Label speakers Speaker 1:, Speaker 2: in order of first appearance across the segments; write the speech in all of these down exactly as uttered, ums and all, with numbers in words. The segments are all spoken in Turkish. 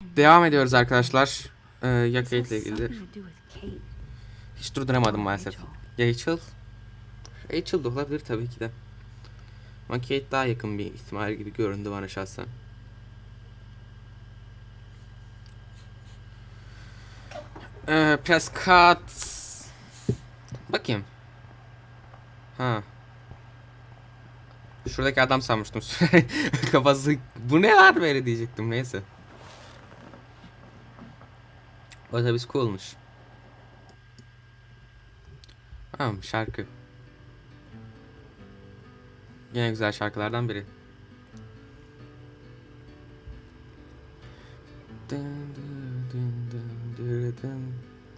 Speaker 1: Devam ediyoruz arkadaşlar. Ee, ya Kate ile ilgili. Hiç durduramadım maalesef. Rachel. Rachel da olabilir tabii ki de. Ama Kate daha yakın bir ihtimal gibi göründü bana şahsen. Ee, Prescott. Bakayım. Ha. Şuradaki adam sanmıştım. Kafası bu ne var böyle diyecektim, neyse. Otobüs coolmuş. Tamam, şarkı. Yine güzel şarkılardan biri. Dın dın dın dın dın dın.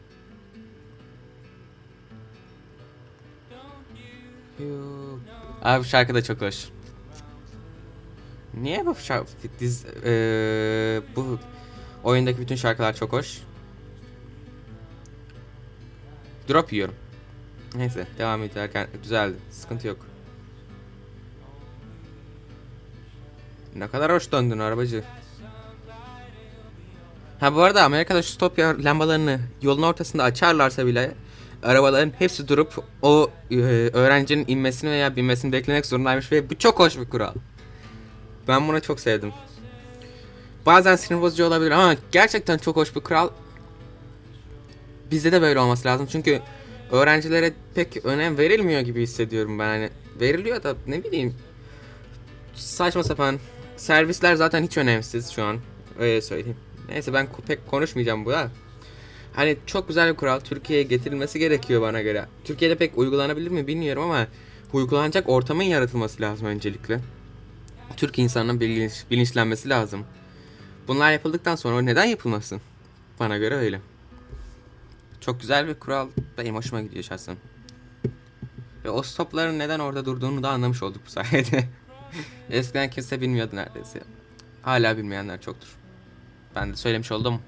Speaker 1: Abi bu şarkı da çok hoş. Niye bu şarkı diz ee, bu oyundaki bütün şarkılar çok hoş. Drop yiyorum. Neyse devam ederken düzeldi. Sıkıntı yok. Ne kadar hoş döndün arabacı. Ha bu arada Amerika'da şu stop lambalarını yolun ortasında açarlarsa bile arabaların hepsi durup o e, öğrencinin inmesini veya binmesini beklemek zorundaymış ve bu çok hoş bir kural. Ben bunu çok sevdim. Bazen sinir bozucu olabilir ama gerçekten çok hoş bir kural. Bizde de böyle olması lazım çünkü öğrencilere pek önem verilmiyor gibi hissediyorum ben. Hani veriliyor da ne bileyim, saçma sapan servisler zaten hiç önemsiz şu an, öyle söyleyeyim. Neyse ben pek konuşmayacağım bu ya. Hani çok güzel bir kural, Türkiye'ye getirilmesi gerekiyor bana göre. Türkiye'de pek uygulanabilir mi bilmiyorum ama uygulanacak ortamın yaratılması lazım öncelikle. Türk insanının bilinç, bilinçlenmesi lazım. Bunlar yapıldıktan sonra neden yapılmasın? Bana göre öyle. Çok güzel bir kural, benim hoşuma gidiyor şahsen. Ve o stopların neden orada durduğunu da anlamış olduk bu sayede. Eskiden kimse bilmiyordu neredeyse. Hala bilmeyenler çoktur. Ben de söylemiş oldum.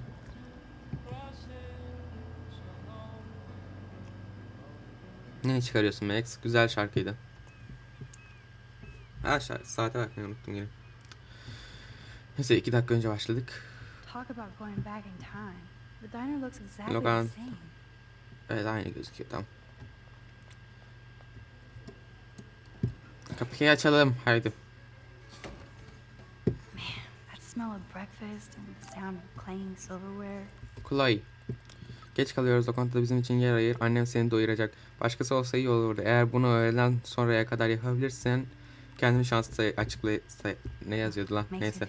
Speaker 1: Ne çıkarıyorsun Max? Güzel şarkıydı. Ha şarkı, saate bakmayı unuttum yine. Neyse iki dakika önce başladık. Logan. Evet aynı gözüküyor, tamam. Kapıyı açalım haydi. Chloe. Geç kalıyoruz, lokantada bizim için yer ayır. Annem seni doyuracak. Başkası olsa iyi olurdu. Eğer bunu öğleden sonraya kadar yapabilirsen kendimi şanslı açıkla... Ne yazıyordu lan? Neyse.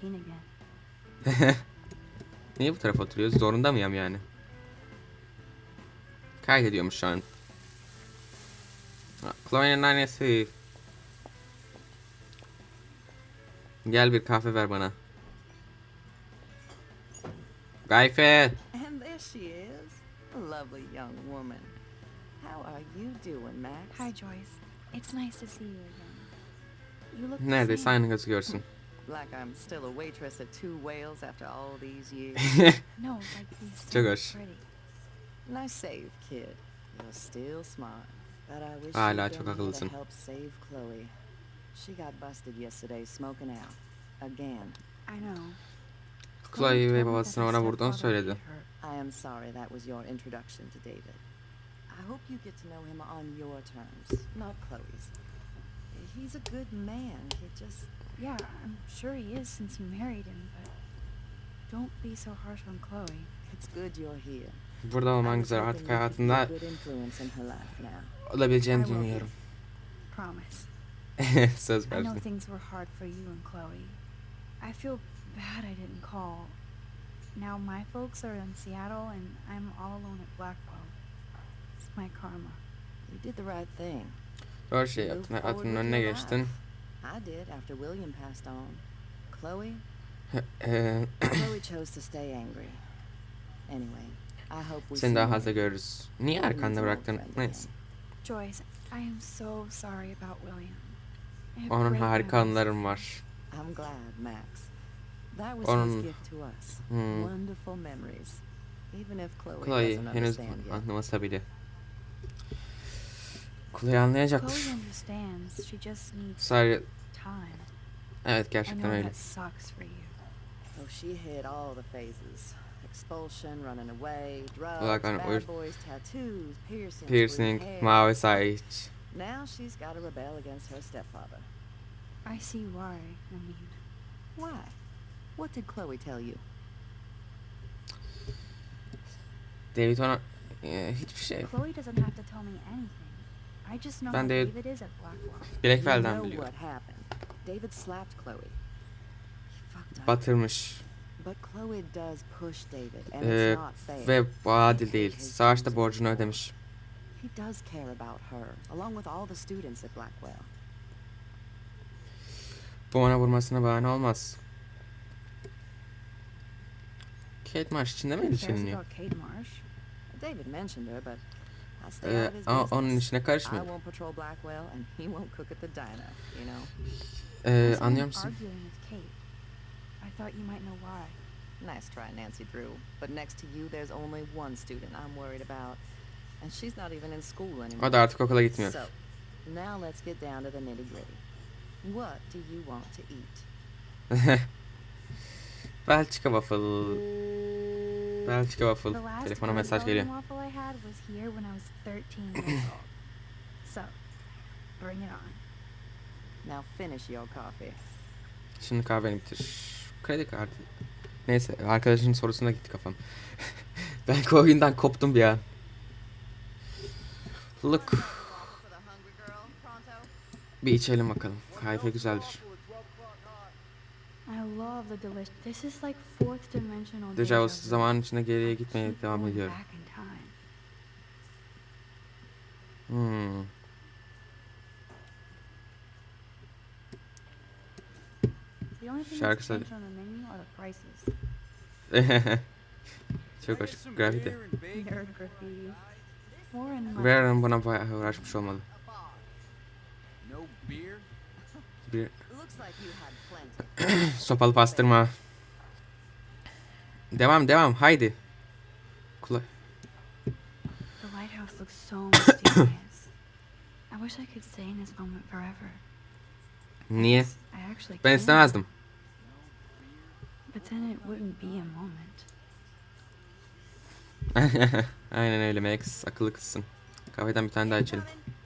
Speaker 1: Niye bu tarafa oturuyoruz? Zorunda mıyım yani? Kaydediyormuş şu an. Chloe'nin annesi. Gel bir kahve ver bana. Gayfe.
Speaker 2: And there she is, a lovely young woman. How are you doing, Max?
Speaker 3: Hi, Joyce. It's nice to see you again. You look
Speaker 1: Neredeyse aynı gözüküyorsun.
Speaker 2: Like I'm still a waitress at Two Whales after all these years.
Speaker 3: No, like these
Speaker 1: Çok
Speaker 3: still
Speaker 1: hoş.
Speaker 3: pretty.
Speaker 2: Nice save, kid. You're still smart. But I wish
Speaker 1: Hala
Speaker 2: you'd
Speaker 1: çok
Speaker 2: done more to
Speaker 1: akıllısın.
Speaker 2: help save Chloe. She got busted yesterday smoking out. Again.
Speaker 3: I know.
Speaker 1: Chloe ve babasına ona vurduğunu söyledi.
Speaker 2: I am sorry that was your introduction to David. I hope you get to know him on your terms, not Chloe's. He's a good man. He just...
Speaker 3: Yeah, I'm sure he is since you married him, but don't be so harsh on Chloe.
Speaker 2: It's good you're here.
Speaker 1: Burada olman güzel, artık hayatında olabileceğini düşünüyorum.
Speaker 3: Promise.
Speaker 1: Söz
Speaker 3: I know
Speaker 1: verdim.
Speaker 3: things were hard for you and Chloe. I feel bad I didn't call. Now my folks are in Seattle and I'm all alone at Blackwell. It's my karma.
Speaker 2: You did the right thing.
Speaker 1: Doğru şey yaptın. Hayatının önüne geçtin.
Speaker 2: I did after William passed on. Chloe?
Speaker 1: Eee,
Speaker 2: Chloe chose to stay angry. Anyway, I hope we
Speaker 1: Seni
Speaker 2: see
Speaker 1: daha
Speaker 2: you
Speaker 1: fazla
Speaker 2: later.
Speaker 1: görürüz. Niye arkanda bıraktın? Neyse.
Speaker 3: Joyce, I am so sorry about William. I have
Speaker 1: Onun
Speaker 3: great
Speaker 1: harika
Speaker 3: memories.
Speaker 1: anılarım var.
Speaker 2: I'm glad, Max. That was
Speaker 1: Onun-
Speaker 2: his gift to us.
Speaker 1: Hmm.
Speaker 2: Wonderful memories. Even if Chloe,
Speaker 1: Chloe
Speaker 2: doesn't
Speaker 1: henüz
Speaker 2: understand yet.
Speaker 1: anlamasa bile. Chloe anlayacaktır.
Speaker 3: Chloe understands. She just needs
Speaker 1: Sadece
Speaker 3: time.
Speaker 1: evet
Speaker 3: I
Speaker 1: gerçekten
Speaker 3: know
Speaker 1: öyle.
Speaker 3: that sucks for you.
Speaker 2: she hit all the phases. Expulsion, running away, drugs,
Speaker 1: Olarak hani o
Speaker 2: bad boys, tattoos, piercings,
Speaker 1: piercing,
Speaker 2: blue hair.
Speaker 1: mavi saç.
Speaker 2: Now she's got to rebel against her stepfather.
Speaker 3: I see why. I mean,
Speaker 2: Why? What did Chloe tell you?
Speaker 1: David ona e, hiçbir şey.
Speaker 3: Chloe doesn't have to tell me anything. I just know
Speaker 1: Ben
Speaker 3: how
Speaker 1: de
Speaker 3: David is at Blackwell.
Speaker 2: You
Speaker 1: Blackfell'den
Speaker 2: know
Speaker 1: biliyorum.
Speaker 2: what happened. David slapped Chloe. He fucked up.
Speaker 1: Batırmış.
Speaker 2: But Chloe does push David, and
Speaker 1: Ee,
Speaker 2: it's not fair.
Speaker 1: ve bu adil değil. Savaşta borcunu ödemiş.
Speaker 2: He does care about her, along with all the students at Blackwell.
Speaker 1: Bu ona vurmasına bahane olmaz. Kate Marsh içinde mi
Speaker 3: Who cares
Speaker 1: ilişkileniyor?
Speaker 3: about Kate Marsh?
Speaker 2: David mentioned her, but I stay
Speaker 1: Ee,
Speaker 2: out of his
Speaker 1: ama
Speaker 2: business.
Speaker 1: onun işine
Speaker 2: I
Speaker 1: karışmıyor.
Speaker 2: won't patrol Blackwell, and he won't cook at the diner, you know?
Speaker 1: Ee,
Speaker 3: Who's
Speaker 1: anlıyor
Speaker 3: I'm
Speaker 1: musun?
Speaker 3: arguing with Kate. I thought you might know why.
Speaker 2: Nice try, Nancy Drew. But next to you, there's only one student I'm worried about. And she's not even in school anymore.
Speaker 1: O da artık okula gitmiyor.
Speaker 2: So, now let's get down to the nitty gritty. What do you want to eat?
Speaker 1: Belçika waffle. Belçika waffle.
Speaker 3: The last
Speaker 1: Telefona
Speaker 3: good
Speaker 1: mesaj
Speaker 3: Belgian
Speaker 1: geliyor.
Speaker 3: waffle I had was here when I was thirteen years old. So, bring it on.
Speaker 2: Now finish your coffee.
Speaker 1: Şimdi kahveni bitir. Kredi kartı. Neyse arkadaşın sorusuna gitti kafam. Belki o oyundan koptum bir an. Look. Bir içelim bakalım. Kahve güzeldir.
Speaker 3: I love the delicious. This is like fourth dimensional
Speaker 1: Deja
Speaker 3: deja
Speaker 1: vu
Speaker 3: vu.
Speaker 1: zamanın içinde geriye
Speaker 3: I
Speaker 1: gitmeye
Speaker 3: keep
Speaker 1: devam
Speaker 3: going
Speaker 1: ediyorum.
Speaker 3: back in time.
Speaker 1: Hmm.
Speaker 3: The only thing
Speaker 1: Şarkı
Speaker 3: that's
Speaker 1: söyle.
Speaker 3: changed on the menu are the prices.
Speaker 1: Çok hoş. Grafiti.
Speaker 3: Nerd graffiti. Warren must
Speaker 1: Warren buna bayağı uğraşmış olmalı.
Speaker 4: No beer?
Speaker 1: Bir
Speaker 2: Looks like you had plenty.
Speaker 1: sopalı pastırma. Devam devam haydi. Kula
Speaker 3: The lighthouse looks so mysterious. I wish I could stay in this moment forever.
Speaker 1: Niye?
Speaker 3: I actually
Speaker 1: Ben
Speaker 3: can.
Speaker 1: istemezdim.
Speaker 3: But then it wouldn't be a moment.
Speaker 1: Aynen öyle Max. Akıllı kızsın. Kahveden bir tane daha içelim.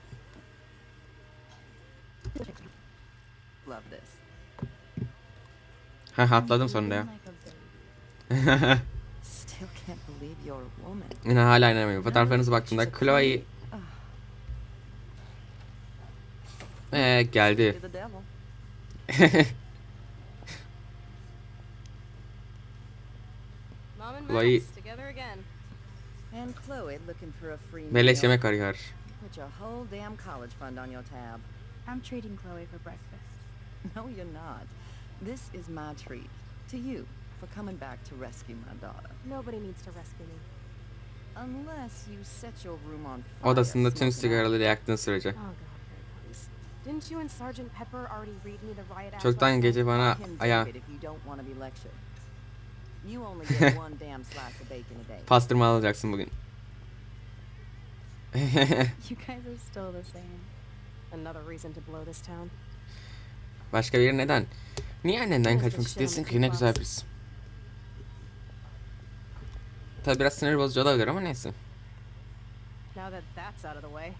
Speaker 2: Love this.
Speaker 1: Ha atladım sonunda ya.
Speaker 3: Like a baby.
Speaker 2: Still can't believe you're a woman.
Speaker 1: Yine hala inanamıyorum. Fotoğraflarınıza baktığımda
Speaker 2: She's a
Speaker 1: Chloe
Speaker 2: Ah,
Speaker 1: ee, geldi.
Speaker 2: you're the devil.
Speaker 5: Mom and
Speaker 1: Chloe-
Speaker 5: Max together again.
Speaker 2: And Chloe looking for a free
Speaker 1: Beleş
Speaker 2: meal.
Speaker 1: yemek arıyor.
Speaker 2: Put your whole damn college fund on your tab.
Speaker 3: I'm treating Chloe for breakfast.
Speaker 2: No, you're not. This is my treat to you for coming back to rescue my daughter.
Speaker 5: Nobody needs to rescue me.
Speaker 2: Unless you set your room on fire.
Speaker 1: Odasında tüm
Speaker 2: smoking out.
Speaker 1: sigaraları yaktığın sürece.
Speaker 5: Oh god, here it comes. Didn't you and Sergeant Pepper already read me the riot act
Speaker 1: Çoktan
Speaker 5: last
Speaker 1: gece
Speaker 5: night?
Speaker 1: bana
Speaker 2: Call him
Speaker 1: aya
Speaker 2: David if you don't want to be lectured. You only get one damn slice of bacon a day.
Speaker 1: pastırma alacaksın bugün.
Speaker 3: You guys are still the same.
Speaker 5: Another reason to blow this town.
Speaker 1: Başka biri neden? Niye annenden kaçmak istiyorsun ki? Ne güzel birisi. Tabi biraz sinir bozucu olabilir ama neyse.
Speaker 5: Now that that's out of the way,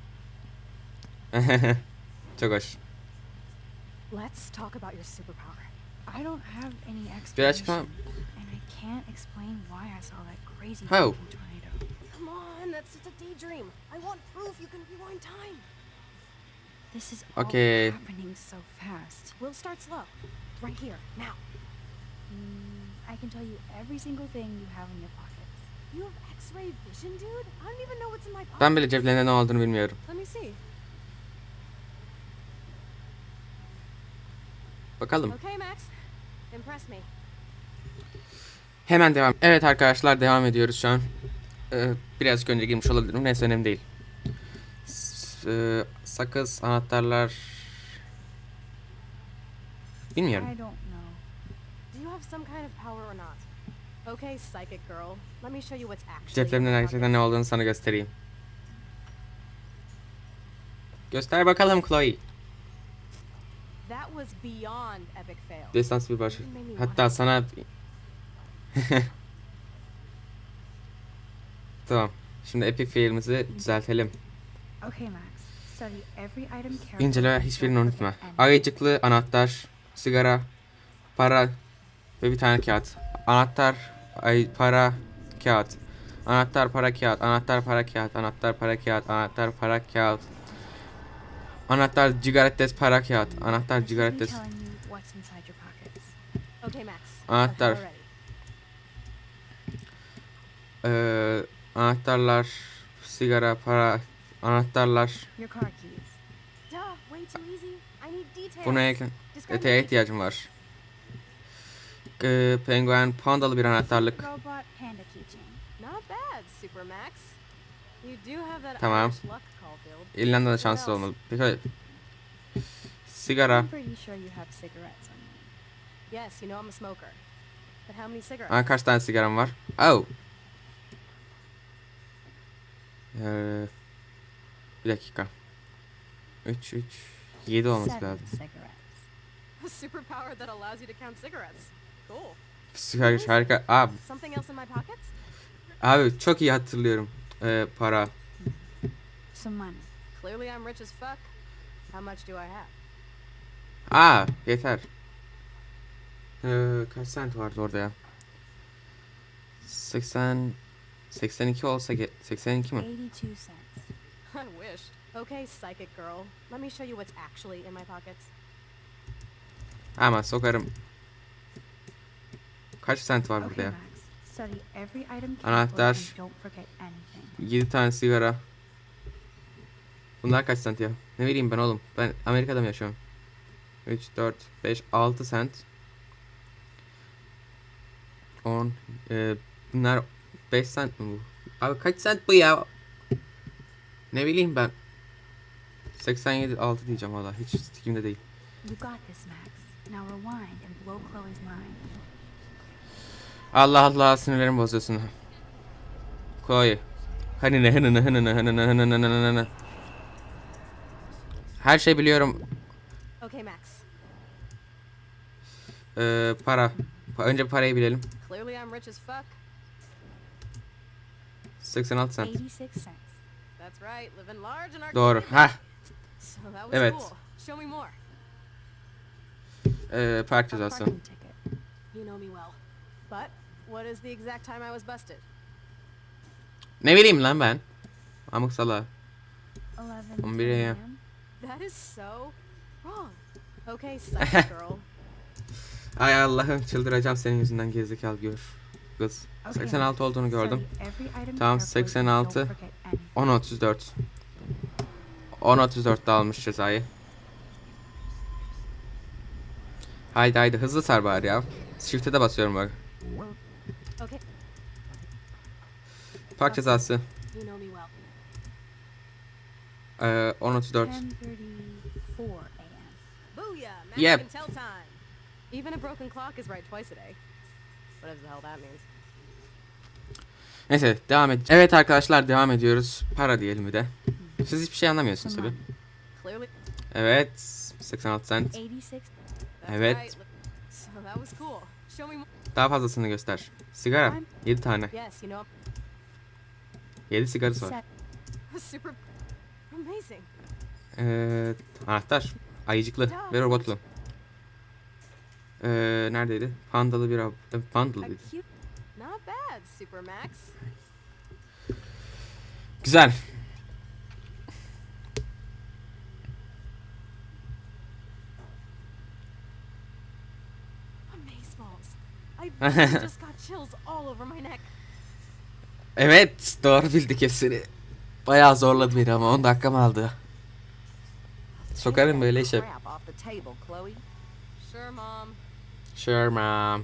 Speaker 1: Çok hoş.
Speaker 5: let's talk about your superpower.
Speaker 3: I don't have any
Speaker 1: Bir
Speaker 3: explanation.
Speaker 1: açıklama.
Speaker 3: And I can't explain why I saw that crazy
Speaker 1: How?
Speaker 3: fucking tornado.
Speaker 5: Come on, that's just a daydream. I want proof you can rewind time.
Speaker 3: This is all
Speaker 1: Okay.
Speaker 3: happening so fast.
Speaker 5: We'll start slow. Right here, now.
Speaker 3: Mm, I can tell you every single thing you have in your pockets.
Speaker 5: You have X-ray vision, dude? I don't even know what's in my pocket.
Speaker 1: Ben bile ceplerinde ne olduğunu bilmiyorum.
Speaker 5: Let me see.
Speaker 1: Bakalım.
Speaker 5: Okay, Max. Impress me.
Speaker 1: Hemen devam. Evet arkadaşlar devam ediyoruz şu an. Ee, birazcık önce girmiş olabilirim. Neyse önemli değil. S- e, sakız, anahtarlar... Bilmiyorum.
Speaker 3: I don't know.
Speaker 5: Do you have some kind of power or not? Okay, psychic girl. Let me show you what's actually in
Speaker 1: Ceplerimde
Speaker 5: your
Speaker 1: gerçekten ne
Speaker 5: pockets.
Speaker 1: olduğunu sana göstereyim. Göster bakalım Chloe.
Speaker 5: That was beyond epic fail.
Speaker 1: Distans bir başı.
Speaker 5: You made me
Speaker 1: Hatta
Speaker 5: want
Speaker 1: sana Tamam. Şimdi epic fail'imizi düzeltelim.
Speaker 3: Okay, Max. Study every item carefully.
Speaker 1: İncele
Speaker 3: and
Speaker 1: hiçbirini
Speaker 3: don't
Speaker 1: unutma.
Speaker 3: forget anything.
Speaker 1: Ayıcıklı anahtar, sigara, para ve bir tane kağıt. Anahtar, ay, para, kağıt. Anahtar, para, kağıt. Anahtar, para, kağıt. Anahtar, para, kağıt. Anahtar, para, kağıt. Anahtar, cigarettes, para, kağıt. Anahtar,
Speaker 3: This is me
Speaker 1: cigarettes.
Speaker 3: telling you what's inside your pockets.
Speaker 5: Okay, Max.
Speaker 1: Anahtar.
Speaker 5: I'm ready.
Speaker 1: Ee, anahtarlar, sigara, para, anahtarlar.
Speaker 3: Your car keys.
Speaker 5: Duh, way too easy. I need details.
Speaker 1: Buna ekle.
Speaker 5: Describe
Speaker 1: Eteğe
Speaker 5: the
Speaker 1: ihtiyacım var. Ee, penguen, pandalı bir anahtarlık.
Speaker 3: Robot panda keychain.
Speaker 5: Not bad, Super Max. You do have that
Speaker 1: Tamam.
Speaker 5: Irish luck, Caulfield.
Speaker 1: İrlanda'da
Speaker 5: What
Speaker 1: şanslı
Speaker 5: else?
Speaker 1: olmalı. Peki. Sigara.
Speaker 3: I'm pretty sure you have cigarettes on you.
Speaker 5: Yes, you know I'm a smoker. But how many cigarettes?
Speaker 1: Aa, kaç tane sigaram var? Oh. Ee, bir dakika. üç, üç, yedi olması
Speaker 3: Seven
Speaker 1: lazım.
Speaker 3: cigarettes.
Speaker 5: A superpower that allows you to count cigarettes. Cool.
Speaker 1: Sigara harika. Abi,
Speaker 5: Something else in my pockets?
Speaker 1: abi çok iyi hatırlıyorum. Ee, para.
Speaker 3: Some money.
Speaker 5: Clearly I'm rich as fuck. How much do I have?
Speaker 1: Aa, yeter. Ee, kaç sent vardı orada ya? seksen seksen iki olsa ge- seksen iki mi?
Speaker 3: eighty-two cents.
Speaker 5: I wish. Okay, psychic girl. Let me show you what's actually in my pockets.
Speaker 1: Ama sokarım. Kaç sent var burada
Speaker 3: Okay,
Speaker 1: ya?
Speaker 3: Max. Study every item carefully
Speaker 1: Anahtar.
Speaker 3: and don't forget anything.
Speaker 1: yedi tane sigara. Bunlar kaç sent ya? Ne bileyim ben oğlum. Ben Amerika'da mı yaşıyorum? üç, dört, beş, altı sent. on. E, bunlar beş sent mi bu? Abi kaç sent bu ya? Ne bileyim ben. seksen yedi, altı diyeceğim valla. Hiç stikimde değil.
Speaker 3: You got this, Max. Now rewind and blow Chloe's mind.
Speaker 1: Allah Allah, sinirlerimi bozuyorsun. Koy. Hani ne hani ne hani ne hani ne hani ne hani ne. Her şey biliyorum.
Speaker 5: Okay, Max.
Speaker 1: Ee, para. Pa- Önce parayı bilelim.
Speaker 5: Clearly I'm rich as fuck.
Speaker 1: seksen altı sent.
Speaker 3: eighty-six cents.
Speaker 5: That's right, living large and
Speaker 1: Doğru.
Speaker 5: arcade.
Speaker 1: Hah.
Speaker 5: So that was
Speaker 1: Evet.
Speaker 5: cool. Show me more.
Speaker 1: Ee, park
Speaker 3: A
Speaker 1: cezası.
Speaker 3: parking ticket.
Speaker 5: You know me well. But what is the exact time I was busted?
Speaker 1: Ne bileyim lan ben. Amık sala.
Speaker 3: eleven
Speaker 1: on bir a m.
Speaker 3: a m.
Speaker 5: That is so wrong. Okay, psychic girl.
Speaker 1: Ay Allah'ım, çıldıracağım senin yüzünden, gerizekalı gör. Kız.
Speaker 3: Okay,
Speaker 1: seksen altı
Speaker 3: Max.
Speaker 1: olduğunu gördüm.
Speaker 3: Study every item
Speaker 1: Tamam,
Speaker 3: carefully
Speaker 1: seksen
Speaker 3: and
Speaker 1: altı.
Speaker 3: don't forget anything.
Speaker 1: on otuz dört. on otuz dörtte almış cezayı. Haydi haydi hızlı sar bari ya. Shift'e de basıyorum bak.
Speaker 5: Okay,
Speaker 1: Park cezası.
Speaker 5: you know me well.
Speaker 1: Ee, on otuz dört.
Speaker 3: ten thirty-four a m.
Speaker 5: Booyah! Max
Speaker 1: Yep.
Speaker 5: can tell time. Even a broken clock is right twice a day. Whatever the hell that means.
Speaker 1: Neyse devam et. Evet arkadaşlar, devam ediyoruz. Para diyelim bir de. Siz hiçbir şey anlamıyorsunuz
Speaker 3: Some
Speaker 1: tabi.
Speaker 3: money.
Speaker 5: Clearly,
Speaker 1: Evet. seksen altı sent.
Speaker 3: eighty-six.
Speaker 5: that's
Speaker 1: Evet.
Speaker 5: right. So that was cool. Show me more.
Speaker 1: Daha fazlasını göster. Sigara. yedi tane.
Speaker 5: Yes, you know,
Speaker 1: yedi sigarası var.
Speaker 3: Se-
Speaker 5: super amazing.
Speaker 1: Ee, anahtar. Ayıcıklı ve robotlu. Ee, neredeydi? Pandalı bir ab... e,
Speaker 5: A
Speaker 1: Pandalıydı.
Speaker 5: cute. Not bad, Super Max.
Speaker 1: Güzel.
Speaker 5: Amazeballs. I really just got chills all over my neck.
Speaker 1: Evet, doğru bildik hepsini. Bayağı zorladı beni ama on dakikam aldı. Sokarım böyle işe.
Speaker 2: Crap off the table, Chloe.
Speaker 5: Sure, Mom.
Speaker 1: Sure mom.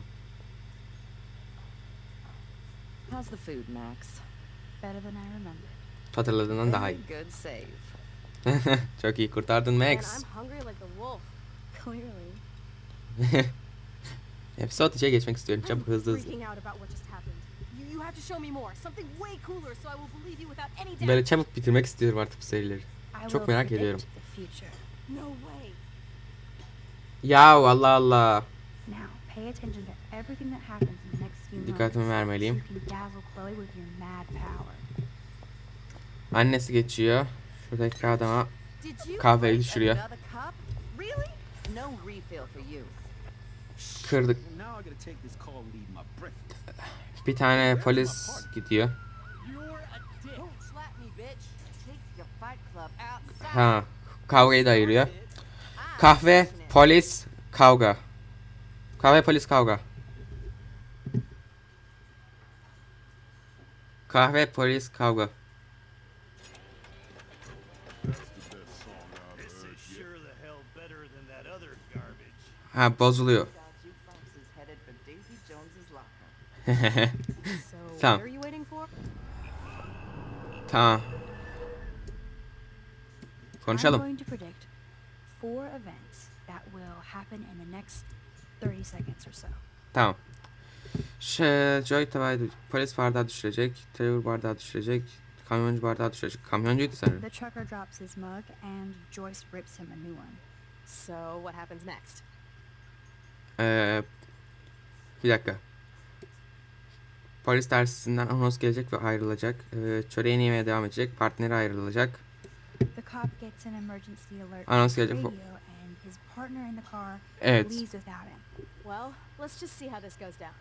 Speaker 2: How's the food, Max?
Speaker 3: Better than I remember.
Speaker 1: Hatırladığından daha iyi.
Speaker 2: Very good save.
Speaker 1: Çok iyi kurtardın
Speaker 5: Man,
Speaker 1: Max.
Speaker 5: I'm hungry like the wolf.
Speaker 3: Clearly.
Speaker 1: Episode içe geçmek istiyorum.
Speaker 5: I'm
Speaker 1: Çabuk hızlı hızlı.
Speaker 5: freaking out about what just happened. You, you have to show me more. Something way cooler so I will believe you without any doubt.
Speaker 1: Böyle çabuk bitirmek istiyorum artık bu serileri.
Speaker 3: I
Speaker 1: Çok
Speaker 3: will
Speaker 1: merak
Speaker 3: predict
Speaker 1: ediyorum.
Speaker 3: the future.
Speaker 5: No way.
Speaker 1: Ya Allah Allah.
Speaker 3: Now pay attention to everything that happens in the next few moments.
Speaker 1: Dikkatimi
Speaker 3: So
Speaker 1: vermeliyim.
Speaker 3: you can dazzle Chloe with your mad power.
Speaker 1: Annesi geçiyor. Şuradaki adama
Speaker 2: Did you
Speaker 1: kahveyi
Speaker 2: break
Speaker 1: düşürüyor.
Speaker 2: another cup? Really? No refill for you.
Speaker 1: Kırdık.
Speaker 4: Well, now I gotta take this call and leave my breakfast.
Speaker 1: Bir tane polis gidiyor.
Speaker 4: You're a dick.
Speaker 2: Don't slap me, bitch. Take your fight club outside.
Speaker 1: Ha, kavgayı da ayırıyor.
Speaker 2: I'm
Speaker 1: Kahve,
Speaker 2: finishing it.
Speaker 1: polis, kavga. Kahve, polis, kavga. Kahve, polis, kavga.
Speaker 6: This is sure the hell better than that other garbage.
Speaker 1: Ha, bozuluyor.
Speaker 2: Our jukebox is headed for Davy Jones's locker.
Speaker 5: So,
Speaker 1: Tamam.
Speaker 5: what are you waiting for?
Speaker 1: Tamam.
Speaker 3: I'm
Speaker 1: Konuşalım.
Speaker 3: going to predict four events that will happen in the next thirty seconds or so.
Speaker 1: Tamam. Şey, Joy tabağı, polis bardağı düşürecek. Trevor bardağı düşürecek. Kamyoncu bardağı düşürecek. Kamyoncuydu sanırım.
Speaker 3: The trucker drops his mug and Joyce rips him a new one.
Speaker 5: So, what happens next?
Speaker 1: Ee, bir dakika. Polis dersinden anons gelecek ve ayrılacak. Ee, çöreğini yemeye devam edecek. Partneri ayrılacak.
Speaker 3: The cop gets an emergency alert
Speaker 1: Anons
Speaker 3: from his
Speaker 1: gelecek.
Speaker 3: radio and his partner in the car
Speaker 1: Evet.
Speaker 3: leaves without him.
Speaker 5: Well, let's just see how this goes down.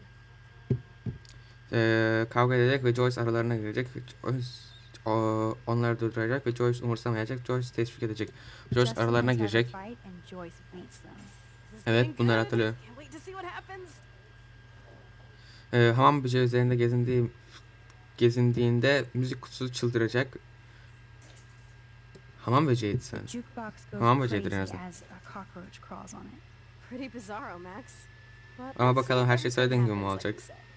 Speaker 1: Ee, kavga edecek ve Joyce aralarına girecek. Joyce o, onları durduracak ve Joyce umursamayacak. Joyce teşvik edecek. Joyce
Speaker 3: Justin
Speaker 1: aralarına
Speaker 3: and Trevor
Speaker 1: girecek.
Speaker 3: fight and Joyce beats them.
Speaker 5: This is
Speaker 1: Evet,
Speaker 5: getting
Speaker 1: bunları
Speaker 5: good.
Speaker 1: hatırlıyorum.
Speaker 5: Can't wait to see what happens.
Speaker 1: Ee, hamam böceği üzerinde gezindiği gezindiğinde müzik kutusu çıldıracak. Hamam böceğiydi sanırım.
Speaker 3: Jukebox goes
Speaker 1: Tamam, böceğidir en
Speaker 3: crazy
Speaker 1: azından.
Speaker 3: as a cockroach crawls on it.
Speaker 5: Pretty bizarro, Max. But
Speaker 1: Ama
Speaker 5: let's
Speaker 1: bakalım,
Speaker 5: see
Speaker 1: her
Speaker 5: if
Speaker 1: şey
Speaker 5: everything
Speaker 1: söylediğin gibi mi
Speaker 5: happens like
Speaker 1: olacak?
Speaker 5: you said.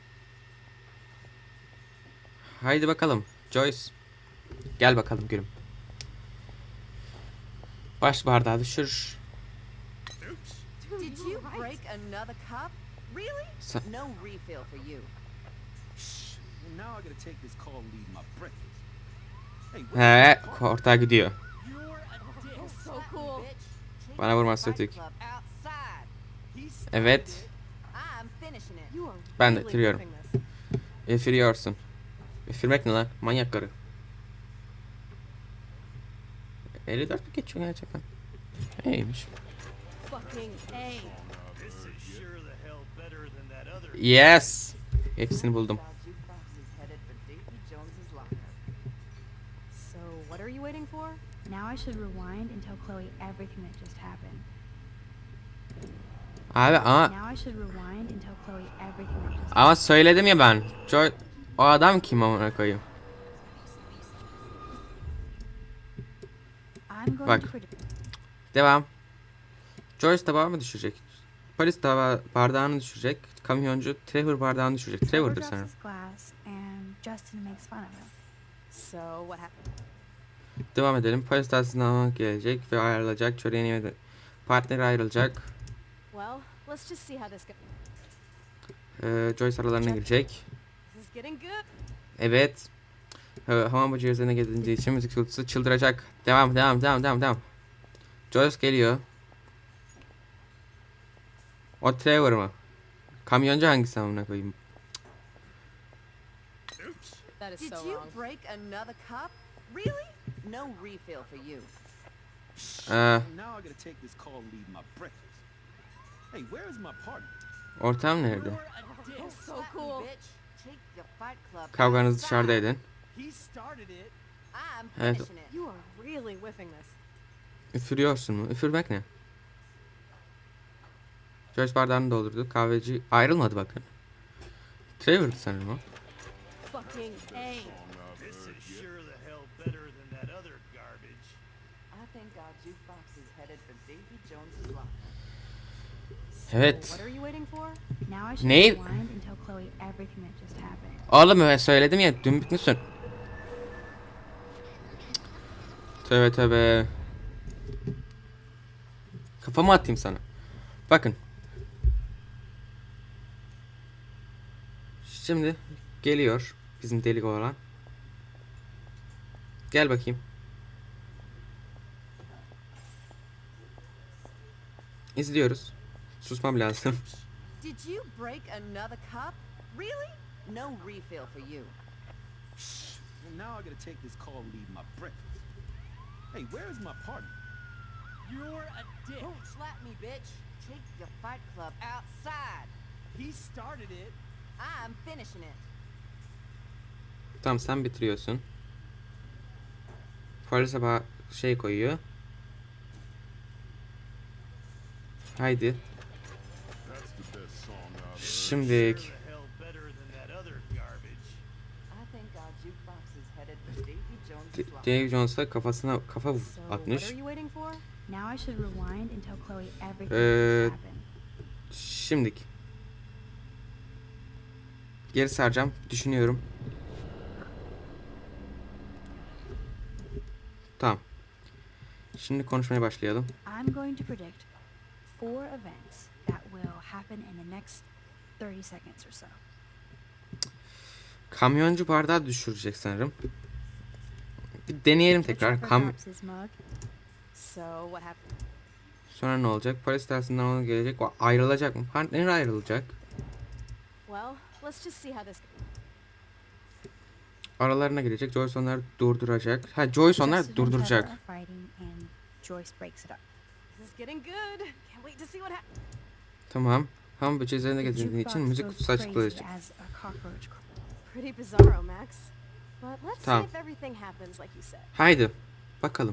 Speaker 1: Haydi bakalım. Joyce. Gel bakalım gülüm. Baş bardağı düşür.
Speaker 5: Dude,
Speaker 2: Did
Speaker 5: you
Speaker 2: you
Speaker 5: were right.
Speaker 2: break another cup? Really?
Speaker 1: Sa-
Speaker 2: No refill for you.
Speaker 4: Well, now I gotta take this call and leave my breakfast. Hey,
Speaker 1: He,
Speaker 4: where's my car?
Speaker 1: ortağa gidiyor.
Speaker 4: You're a dick.
Speaker 5: Oh, so
Speaker 2: Slap me,
Speaker 5: cool.
Speaker 2: bitch. Take
Speaker 1: Bana
Speaker 2: your
Speaker 1: vurması
Speaker 2: fight
Speaker 1: ötük.
Speaker 2: club outside.
Speaker 4: He started
Speaker 1: Evet.
Speaker 4: it.
Speaker 2: I'm finishing it.
Speaker 5: You are
Speaker 1: Ben de
Speaker 5: really
Speaker 1: bitiriyorum.
Speaker 5: whipping this.
Speaker 1: Üfürüyorsun. Üfürmek ne lan? Manyak karı. elli dört mü geçiyor gerçekten? İyiymiş.
Speaker 5: Fucking A.
Speaker 6: This is sure the hell better than that other.
Speaker 1: Yes. Hepsini buldum.
Speaker 2: Our jukebox is headed for Davy Jones's locker.
Speaker 5: So, what are you waiting for?
Speaker 3: Now I should rewind and tell Chloe everything that just happened.
Speaker 1: Abi ama
Speaker 3: Now I should rewind and tell Chloe everything that just
Speaker 1: ama söyledim ya ben. Joy, o adam kim amına koyayım?
Speaker 3: I'm going
Speaker 1: Bak.
Speaker 3: to predict
Speaker 1: Devam. Joyce tabağı mı düşürecek? Polis tabağı bardağını düşürecek. Kamyoncu Trevor bardağını düşürecek.
Speaker 3: Trevor
Speaker 1: Trevor'dır
Speaker 3: drops
Speaker 1: sanırım.
Speaker 3: his glass and Justin makes fun of him.
Speaker 5: So, what happened?
Speaker 1: Devam edelim. Polis dersinden gelecek ve ayrılacak. Çöreğini yemedi. Partneri ayrılacak.
Speaker 5: Well, let's just see how this goes.
Speaker 1: Ee, Joyce aralarına girecek.
Speaker 5: This is getting good.
Speaker 1: Evet. Ee, hamam böceği üzerine gelince için müzik kutusu çıldıracak. Devam, devam, devam, devam, devam. Joyce geliyor. O Trevor mı? Kamyoncu hangisi amına koyayım?
Speaker 5: That is
Speaker 2: Did
Speaker 5: so
Speaker 2: you
Speaker 5: wrong.
Speaker 2: break another cup? Really? No refill for you.
Speaker 1: Ee,
Speaker 4: Well, now I gotta take this call and leave my breakfast. Hey, where is my partner?
Speaker 1: ortam nerede?
Speaker 4: You're a dick.
Speaker 5: Oh, so
Speaker 2: Slap me,
Speaker 5: cool.
Speaker 2: bitch. Take your fight club
Speaker 1: Kavganızı
Speaker 2: outside.
Speaker 1: dışarıda edin.
Speaker 4: He started it.
Speaker 2: I'm
Speaker 1: Evet.
Speaker 2: finishing it.
Speaker 5: You are really whiffing this.
Speaker 1: Üfürüyorsun mu? Üfürmek ne? Joyce bardağını doldurdu. Kahveci ayrılmadı bakın. Trevor'dı sanırım o.
Speaker 5: Fucking A.
Speaker 6: This is sure the hell better than that other garbage.
Speaker 2: I think our jukebox is headed for Davy Jones's locker.
Speaker 5: So,
Speaker 1: Evet.
Speaker 5: what are you waiting for?
Speaker 3: Now I should
Speaker 1: Ne?
Speaker 3: rewind and tell Chloe everything that just happened.
Speaker 1: Oğlum ben söyledim ya, dün bitmişsin. Tövbe tövbe. Kafamı atayım sana. Bakın. Şimdi geliyor bizim delik olan. Gel bakayım. İzliyoruz. Susmam lazım.
Speaker 2: Did you break another cup? Really? No refill for you.
Speaker 4: Shh. Well, now I gotta take this call and leave my breakfast. Hey, where is my partner?
Speaker 6: You're a dick.
Speaker 2: Don't slap me, bitch. Take your fight club outside.
Speaker 6: He started it.
Speaker 2: I'm finishing it.
Speaker 1: Tamam, sen bitiriyorsun. Polis sabah şey koyuyor. Haydi. Şimdilik
Speaker 6: Sure the hell better than that other garbage.
Speaker 2: I think our jukebox is headed for Davy Jones's
Speaker 1: D-
Speaker 2: locker.
Speaker 1: Dave Jones'a kafasına kafa
Speaker 5: So, what
Speaker 1: atmış.
Speaker 5: are you waiting for?
Speaker 3: Now I should rewind and tell Chloe everything
Speaker 1: Ee,
Speaker 3: that's happened.
Speaker 1: Şimdilik. Geri saracağım. Düşünüyorum. Tamam. Şimdi konuşmaya başlayalım.
Speaker 3: I'm going to predict four events that will happen in the next thirty seconds or so.
Speaker 1: Kamyoncu bardağı düşürecek sanırım. Bir deneyelim
Speaker 3: The
Speaker 1: tekrar.
Speaker 3: trucker
Speaker 1: Kam
Speaker 3: drops his mug.
Speaker 5: So, what happened?
Speaker 1: Sonra ne olacak? Polis dersinden ona gelecek. O ayrılacak mı? Partner ayrılacak.
Speaker 5: Well, let's just see how this goes.
Speaker 1: Aralarına girecek. Joyce onları durduracak. Ha, Joyce onları
Speaker 3: Justin and Trevor
Speaker 1: durduracak.
Speaker 3: are fighting and Joyce breaks it up.
Speaker 5: This is getting good. Can't wait to see what happens.
Speaker 1: Tamam. Ham böceği üzerinde
Speaker 3: The
Speaker 1: gezindiği için
Speaker 3: jukebox
Speaker 1: müzik
Speaker 3: goes
Speaker 1: kutusu açık
Speaker 3: crazy
Speaker 1: kalacak.
Speaker 3: as a cockroach cr-
Speaker 5: Pretty bizarro, Max. But let's
Speaker 1: Tamam.
Speaker 5: see if everything happens like you said.
Speaker 1: Haydi. Bakalım.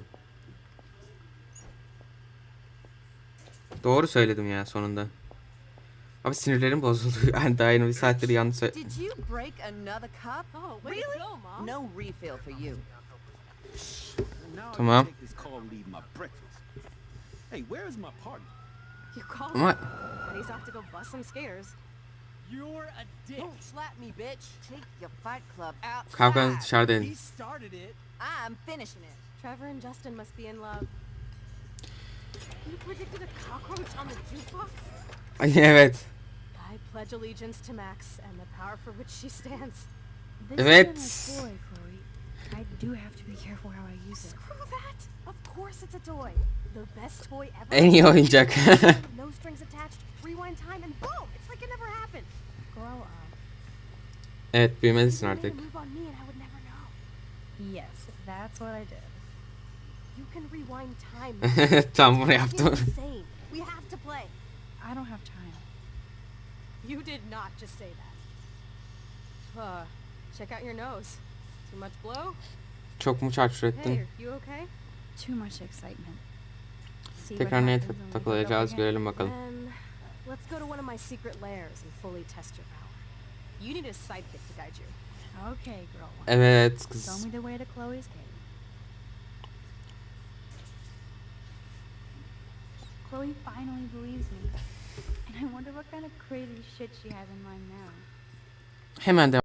Speaker 1: Doğru söyledim ya sonunda. Abi sinirlerim bozuldu. Yani daha yeni bir saattir yanlış söyle...
Speaker 2: Did you break another cup?
Speaker 5: Oh, way
Speaker 2: Really?
Speaker 5: to go, Mom.
Speaker 2: No refill for you.
Speaker 4: Well, now I
Speaker 1: Tamam.
Speaker 4: gotta take this call and leave my breakfast. Hey, where is my partner?
Speaker 5: You called
Speaker 1: Ama
Speaker 5: him, and he's off to go bust some scares.
Speaker 6: You're a dick.
Speaker 2: Don't slap me, bitch. Take your fight club
Speaker 1: kavganız
Speaker 2: outside.
Speaker 1: dışarıda
Speaker 6: He
Speaker 1: edin.
Speaker 6: started it.
Speaker 2: I'm finishing it.
Speaker 5: Trevor and Justin must be in love. You predicted a cockroach on the jukebox?
Speaker 1: Ay, evet.
Speaker 5: I pledge allegiance to Max and the power for which she stands.
Speaker 3: This
Speaker 1: Evet.
Speaker 3: isn't a toy, Chloe. I do have to be careful how I use it.
Speaker 5: Screw that! Of course it's a toy. The best toy ever.
Speaker 1: En iyi oyuncak.
Speaker 5: With no strings attached, rewind time, and boom! It's like it never happened.
Speaker 3: Grow up.
Speaker 1: Evet, büyümelisin
Speaker 5: You made a
Speaker 1: artık.
Speaker 5: move on me and I would never know.
Speaker 3: Yes, that's what I did.
Speaker 5: You can rewind time. Max.
Speaker 1: Tam bunu
Speaker 5: It's
Speaker 1: yaptım.
Speaker 5: insane. We have to play.
Speaker 3: I don't have time.
Speaker 5: You did not just say that. Uh, check out your nose. Too much blow?
Speaker 1: Çok mu çarçur
Speaker 5: Hey,
Speaker 1: ettin?
Speaker 5: are you okay?
Speaker 3: Too much excitement. See what
Speaker 1: Tekrar neye
Speaker 3: happens when we do it
Speaker 1: takılacağız
Speaker 3: again.
Speaker 1: görelim bakalım.
Speaker 5: Then let's go to one of my secret lairs and fully test your power. You need a sidekick to guide you.
Speaker 3: Okay, girl.
Speaker 1: Evet
Speaker 3: Show
Speaker 1: kız.
Speaker 3: me the way to Chloe's cave. Chloe finally believes me. And I wonder what kind of crazy shit she has in mind now.
Speaker 1: Hemen devam.